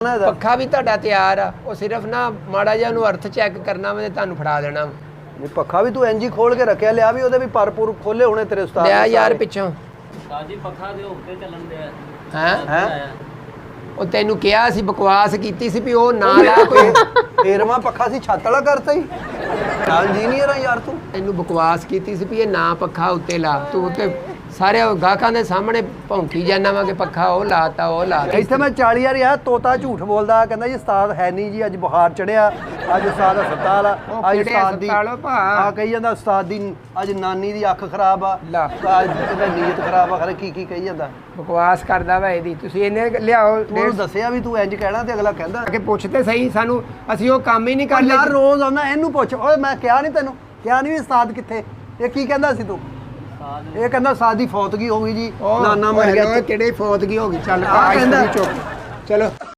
ਪੱਖਾ ਵੀ ਤੁਹਾਡਾ ਤਿਆਰ ਆ, ਉਹ ਸਿਰਫ ਨਾ ਮਾੜਾ ਜਿਹਾ ਉਹਨੂੰ ਅਰਥ ਚੈੱਕ ਕਰਨਾ ਵਾ ਤੇ ਤੁਹਾਨੂੰ ਫੜਾ ਦੇਣਾ। ਨਹੀਂ ਪੱਖਾ ਵੀ ਤੂੰ ਇੰਜ ਹੀ ਖੋਲ ਕੇ ਰੱਖਿਆ, ਲਿਆ ਵੀ ਉਹਦੇ ਵੀ ਪਰਪੂਰ ਖੋਲੇ ਹੋਣੇ ਤੇਰੇ ਉਸਤਾਦ ਲਿਆ ਯਾਰ ਪਿੱਛੋਂ। ਉਸਤਾਦ ਜੀ ਪੱਖਾ ਦੇ ਉੱਤੇ ਚੱਲਣ ਦੇ ਹੈ ਉਹ ਤੈਨੂੰ ਕਿਹਾ ਸੀ, ਬਕਵਾਸ ਕੀਤੀ ਸੀ ਵੀ ਉਹ ਨਾ ਲਾ ਕੋਈ। ਫੇਰਵਾ ਪੱਖਾ ਸੀ ਛੱਤ ਵਾਲਾ ਕਰਤਾ ਹੀ। ਇੰਜੀਨੀਅਰ ਆ ਯਾਰ ਤੂੰ। ਤੈਨੂੰ ਬਕਵਾਸ ਕੀਤੀ ਸੀ ਵੀ ਇਹ ਨਾ ਪੱਖਾ ਉੱਤੇ ਲਾ, ਤੂੰ ਉੱਤੇ ਸਾਰੇ ਗਾਹਕਾਂ ਦੇ ਸਾਹਮਣੇ ਭੌਂਕੀ ਜਾਂਦਾ ਵਾ ਕਿ ਪੱਖਾ ਉਹ ਲਾਤਾ ਉਹ ਲਾਤਾ। ਇੱਥੇ ਮੈਂ 40 ਵਾਰ ਯਾਰ ਤੋਤਾ ਝੂਠ ਬੋਲਦਾ, ਕਹਿੰਦਾ ਜੀ ਉਸਤਾਦ ਹੈ ਨਹੀਂ ਜੀ, ਅੱਜ ਬੁਖਾਰ ਚੜਿਆ, ਅੱਜ ਉਸਤਾਦ ਹਸਪਤਾਲ ਆ, ਅੱਜ ਉਸਤਾਦ ਦੀ ਆ ਕਹੀ ਜਾਂਦਾ ਉਸਤਾਦ ਦੀ ਅੱਜ ਨਾਨੀ ਦੀ ਅੱਖ ਖਰਾਬ ਆ, ਅੱਜ ਕਹਿੰਦਾ ਨੀਅਤ ਖਰਾਬ ਆ, ਖਰੇ ਕੀ ਕੀ ਕਹੀ ਜਾਂਦਾ। ਬਕਵਾਸ ਕਰਦਾ ਵਾ ਇਹਦੀ। ਤੁਸੀਂ ਇਹਨੇ ਲਿਆਓ ਤੂੰ ਦੱਸਿਆ ਵੀ ਤੂੰ ਇੰਜ ਕਹਿਣਾ ਤੇ ਅਗਲਾ ਕਹਿੰਦਾ ਕਿ ਪੁੱਛਦੇ ਸਹੀ ਸਾਨੂੰ, ਅਸੀਂ ਉਹ ਕੰਮ ਹੀ ਨਹੀਂ ਯਾਰ ਕਰਦੇ। ਰੋਜ਼ ਆਉਂਦਾ ਇਹਨੂੰ ਪੁੱਛ, ਓਏ ਮੈਂ ਕਿਹਾ ਨਹੀਂ ਤੈਨੂੰ, ਕਿਹਾ ਨਹੀਂ ਉਸਤਾਦ ਕਿੱਥੇ, ਇਹ ਕੀ ਕਹਿੰਦਾ ਸੀ ਤੂੰ? ਇਹ ਕਹਿੰਦਾ ਉਸਤਾਦ ਦੀ ਫੌਤਗੀ ਹੋ ਗਈ ਜੀ, ਨਾਨਾ ਮਰ ਗਿਆ। ਕਿਹੜੇ ਫੌਤਗੀ ਹੋ ਗਈ? ਚੱਲ ਕਹਿੰਦਾ ਚਲੋ।